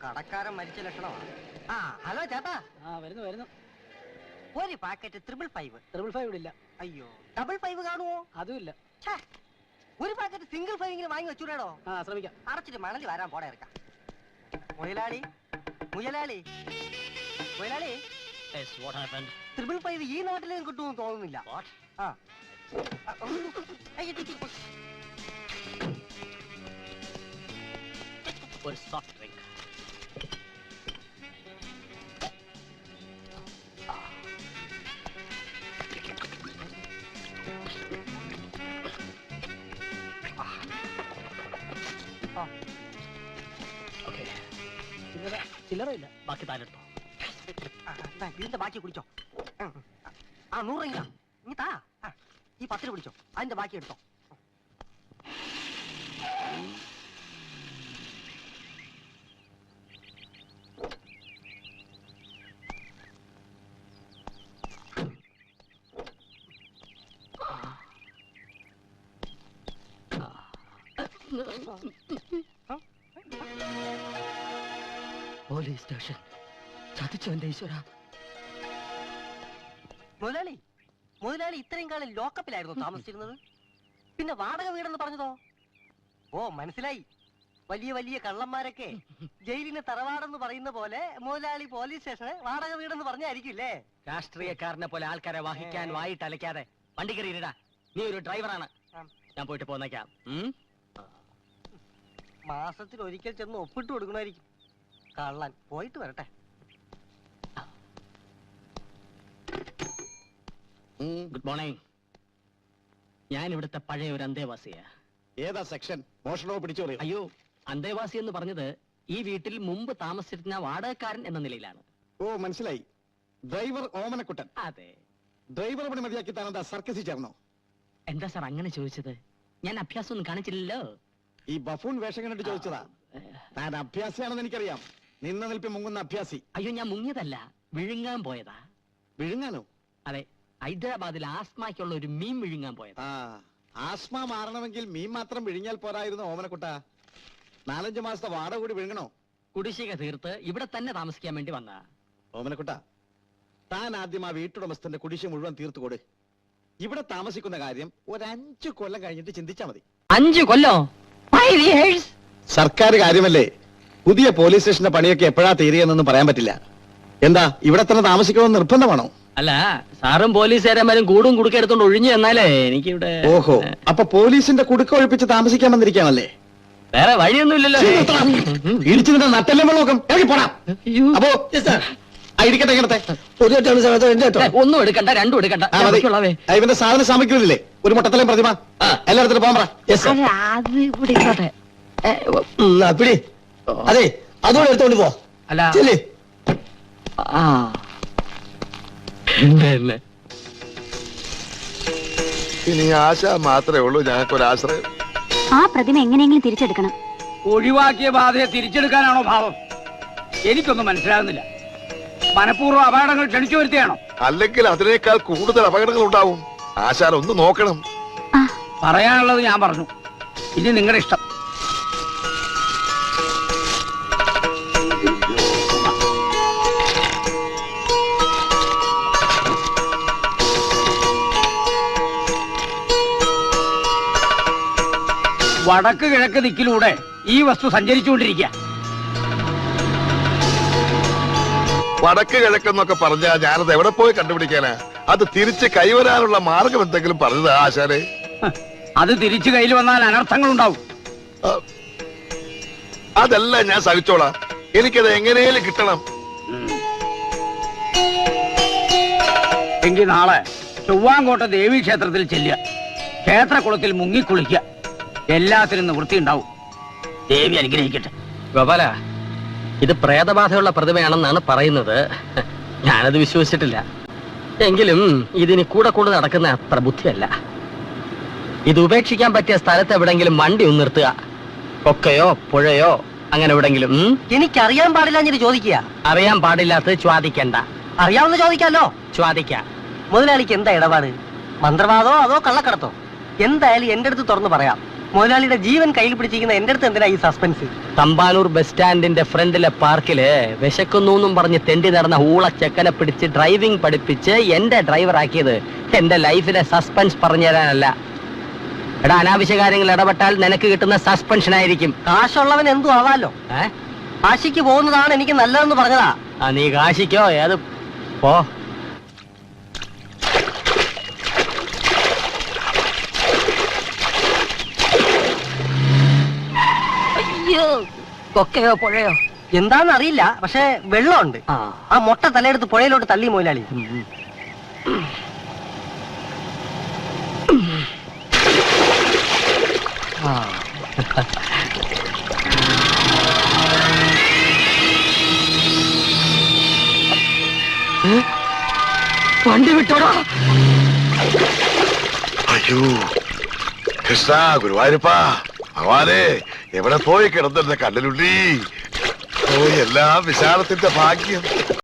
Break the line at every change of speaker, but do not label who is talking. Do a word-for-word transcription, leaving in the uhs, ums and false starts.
കടക്കാരൻ മരിച്ച ലക്ഷണമാണ്. ആ ഹലോ ചേട്ടാ.
ആ വരുന്നു വരുന്നു.
ഒരു packet triple five.
Triple five ഇല്ല.
അയ്യോ, ഡബിൾ ഫൈവ് കാണുമോ?
അതും ഇല്ല.
ഒരു പാക്കറ്റ് സിംഗിൾ ഫൈവ് ഇങ്ങനെ വാങ്ങി വെച്ചൂടോ?
ആ ശ്രമിക്കാം.
അടച്ചിട്ട് മണലി വരാൻ പോടെ ഇറക്കാം. മുയലാളി മുയലാളി മുയലാളി ത്രിപിൾ ഫൈവ് ഈ നാട്ടിലും കിട്ടുമെന്ന് തോന്നുന്നില്ല. ആ
ഒരു സോഫ്റ്റ് ഡ്രിങ്ക്. ചില്ലറ ഇല്ല, ബാക്കി താനെടുത്തോ.
ഇതിന്റെ ബാക്കി കുടിച്ചോ. ആ നൂറ് രൂപ ഇനി താ. ഈ പത്തിന് പിടിച്ചോ, അതിന്റെ ബാക്കി എടുത്തോ.
പോലീസ് സ്റ്റേഷൻ ചതിച്ചോ എന്റെ ഈശ്വര.
മുതലാളി മുതലാളി ഇത്രയും കാലം ലോക്കപ്പിലായിരുന്നു താമസിച്ചിരുന്നത്. പിന്നെ വാടക വീടെന്ന് പറഞ്ഞതോ? ഓ മനസ്സിലായി. വലിയ വലിയ കള്ളന്മാരൊക്കെ ജയിലിന് തറവാടെന്ന് പറയുന്ന പോലെ മുതലാളി പോലീസ് സ്റ്റേഷന് വാടക വീടെന്ന് പറഞ്ഞായിരിക്കില്ലേ?
രാഷ്ട്രീയക്കാരനെ പോലെ ആൾക്കാരെ വഹിക്കാൻ വായിട്ട് അലക്കാതെ വണ്ടി കയറിയിടാ. നീ ഒരു ഡ്രൈവറാണ്, ഞാൻ പോയിട്ട് പോന്നേക്കാം.
മാസത്തിൽ ഒരിക്കൽ ചെന്ന് ഒപ്പിട്ട് കൊടുക്കണമായിരിക്കും കള്ളൻ. പോയിട്ട് വരട്ടെ.
Good morning. ഞാൻ ഇവിടുത്തെ പഴയ ഒരു അന്തേവാസിയാ.
ഏതാ സെക്ഷൻ? മോഷണോ പിടിച്ചോ?
അയ്യോ, അന്തേവാസി എന്ന് പറഞ്ഞത് ഈ വീട്ടിൽ മുമ്പ് താമസിച്ചിരുന്ന വാടകക്കാരൻ എന്ന നിലയിലാണ്.
ഓ മനസ്സിലായി. ഡ്രൈവർ ഓമനക്കുട്ടൻ.
അതെ.
ഡ്രൈവർ പണി മതിയാക്കി താനെന്താ സർക്കസിൽ ചേർന്നോ?
എന്താ സാർ അങ്ങനെ ചോദിച്ചത്? ഞാൻ അഭ്യാസം ഒന്നും കാണിച്ചില്ലല്ലോ.
ഈ ബഫൂൺ വേഷം കണ്ടിട്ട് ചോദിച്ചതാ. താൻ അഭ്യാസിയാണെന്ന് എനിക്കറിയാം. നിന്ന നിൽപ്പി മുങ്ങുന്ന അഭ്യാസി.
അയ്യോ, ഞാൻ മുങ്ങിയതല്ല, വിഴുങ്ങാൻ പോയതാ.
വിഴുങ്ങാനോ?
അതെ, ഹൈദരാബാദിൽ ആസ്മയ്ക്കുള്ള ഒരു മീൻ വിഴുങ്ങാൻ പോയതാ.
ആ ആസ്മ മാറണമെങ്കിൽ മീൻ മാത്രം വിഴുങ്ങിയാൽ പോരായിരുന്നു ഓമനക്കുട്ട. നാലഞ്ചു മാസത്തെ വാടക കൂടി വിഴുങ്ങണോ?
കുടിശ്ശിക തീർത്ത് ഇവിടെ തന്നെ താമസിക്കാൻ വേണ്ടി വന്നാ.
ഓമനക്കുട്ട, താൻ ആദ്യം ആ വീട്ടുടമസ്ഥന്റെ കുടിശ്ശിക മുഴുവൻ തീർത്തു കൊടു. ഇവിടെ താമസിക്കുന്ന കാര്യം ഒരു അഞ്ചു കൊല്ലം കഴിഞ്ഞിട്ട് ചിന്തിച്ചാ മതി.
അഞ്ചു കൊല്ലോ?
സർക്കാർ കാര്യമല്ലേ. പുതിയ പോലീസ് സ്റ്റേഷന്റെ പണിയൊക്കെ എപ്പോഴാ തീരുകയെന്നൊന്നും പറയാൻ പറ്റില്ല. എന്താ ഇവിടെ തന്നെ താമസിക്കണമെന്ന് നിർബന്ധമാണോ?
അല്ല, സാറും പോലീസുകാരന്മാരും കൂടും കുടുക്ക എടുത്തോണ്ട് ഒഴിഞ്ഞു എന്നാലേ എനിക്കിവിടെ.
ഓഹോ, അപ്പൊ പോലീസിന്റെ കുടുക്ക ഒഴിപ്പിച്ച് താമസിക്കാൻ വന്നിരിക്കാണല്ലേ?
വേറെ വഴിയൊന്നുമില്ലല്ലോ.
ഇടിച്ചു നട്ടല്ലേ വെള്ളം പോടാ. അപ്പോ ഇരിക്കട്ടെ ഇങ്ങനത്തെ
ഒന്നും എടുക്കണ്ട, രണ്ടും എടുക്കണ്ട.
ഇവന്റെ സാധന സാമഗ്രിയില്ലേ? ഒരു മുട്ടത്തലയും പ്രതിമ എല്ലായിടത്തും പോകാൻ പറ.
പിടി. അതെ, അതുകൊണ്ട് എടുത്തോണ്ട് പോ.
അല്ല
ഇനി ആശ മാത്രമേ ഉള്ളൂ ഞങ്ങൾക്കൊരാശ്രയം.
ആ പ്രതിമ എങ്ങനെയെങ്കിലും തിരിച്ചെടുക്കണം.
ഒഴിവാക്കിയ ബാധയെ തിരിച്ചെടുക്കാനാണോ ഭാവം? എനിക്കൊന്നും മനസ്സിലാകുന്നില്ല. മനഃപൂർവ്വം അപകടങ്ങൾ ക്ഷണിച്ചു വരുത്തിയാണോ?
അല്ലെങ്കിൽ അതിനേക്കാൾ കൂടുതൽ അപകടങ്ങൾ ഉണ്ടാവും. ആശാൻ ഒന്ന് നോക്കണം.
പറയാനുള്ളത് ഞാൻ പറഞ്ഞു, ഇനി നിങ്ങളുടെ ഇഷ്ടം. വടക്ക് കിഴക്ക് ദിക്കിലൂടെ ഈ വസ്തു സഞ്ചരിച്ചുകൊണ്ടിരിക്കുക.
വടക്ക് കിഴക്കെന്നൊക്കെ പറഞ്ഞാ ഞാനത് എവിടെ പോയി കണ്ടുപിടിക്കാനാ? അത് തിരിച്ച് കൈവരാനുള്ള മാർഗം എന്തെങ്കിലും പറഞ്ഞത് ആശാനെ?
അത് തിരിച്ചു കയ്യിൽ വന്നാൽ അനർത്ഥങ്ങൾ ഉണ്ടാവും.
അതല്ല ഞാൻ സഹിച്ചോളാം. എനിക്കത് എങ്ങനെയും കിട്ടണം.
എങ്കിൽ നാളെ ചൊവ്വാങ്കോട്ട ദേവീ ക്ഷേത്രത്തിൽ ചെല്ലുക. ക്ഷേത്രകുളത്തിൽ മുങ്ങിക്കുളിക്കുക. എല്ലാത്തിനും നിവൃത്തി ഉണ്ടാവും. ദേവി അനുഗ്രഹിക്കട്ടെ.
ഗോപാല, ഇത് പ്രേതബാധയുള്ള പ്രതിമയാണെന്നാണ് പറയുന്നത്. ഞാനത് വിശ്വസിച്ചിട്ടില്ല. എങ്കിലും ഇതിന് കൂടെ കൂടെ നടക്കുന്ന അത്ര ബുദ്ധിയല്ല. ഇത് ഉപേക്ഷിക്കാൻ പറ്റിയ സ്ഥലത്ത് എവിടെങ്കിലും വണ്ടി ഒന്ന് നിർത്തുക. കൊക്കയോ പുഴയോ അങ്ങനെ എവിടെങ്കിലും.
എനിക്കറിയാൻ പാടില്ല ഞാൻ ചോദിക്കുക.
അറിയാൻ പാടില്ലാത്തത് ചോദിക്കണ്ട.
അറിയാവുന്ന ചോദിക്കാലോ.
ചോദിക്ക.
മുതലാളിക്ക് എന്താ ഇടപാട്? മന്ത്രവാദോ അതോ കള്ളക്കടത്തോ? എന്തായാലും എന്റെ അടുത്ത് തുറന്നു പറയാം. മുതലാളിയുടെ ജീവൻ കയ്യിൽ പിടിച്ചിരിക്കുന്ന എന്റെ അടുത്ത് എന്തിനാ ഈ സസ്പെൻസ്?
തമ്പാനൂർ ബസ് സ്റ്റാൻഡിന്റെ ഫ്രണ്ടിലെ പാർക്കില് വിശക്കുന്നു എന്നും പറഞ്ഞ് തെണ്ടി നടന്ന ഊള ചെക്കനെ പിടിച്ച് ഡ്രൈവിംഗ് പഠിപ്പിച്ച് എന്റെ ഡ്രൈവർ ആക്കിയത് എന്റെ ലൈഫിലെ സസ്പെൻസ് പറഞ്ഞു തരാനല്ല. എടാ, അനാവശ്യ കാര്യങ്ങൾ ഇടപെട്ടാൽ നിനക്ക് കിട്ടുന്ന സസ്പെൻഷൻ ആയിരിക്കും.
കാശുള്ളവൻ എന്തു ആവാലോ.
ഏ?
കാശിക്ക് പോകുന്നതാണ് എനിക്ക് നല്ലതെന്ന് പറഞ്ഞതാ.
ആ, നീ കാശിക്കോ ഏത് പോ. അയ്യോ, കൊക്കയോ പുഴയോ
എന്താന്ന് അറിയില്ല, പക്ഷെ വെള്ളമുണ്ട്.
ആ.
ആ മൊട്ട തലയെടുത്ത് പുഴയിലോട്ട് തള്ളി മുതലാളി.
ആ. ഏ? വണ്ടി വിട്ടോടാ.
അയ്യോ കൃഷ്ണ ഗുരുവായൂരപ്പ ഭഗവാനെ, എവിടെ പോയി കിടന്നിരുന്ന കണ്ണലുള്ളി? ഓ, എല്ലാം വിശാലത്തിന്റെ ഭാഗ്യം.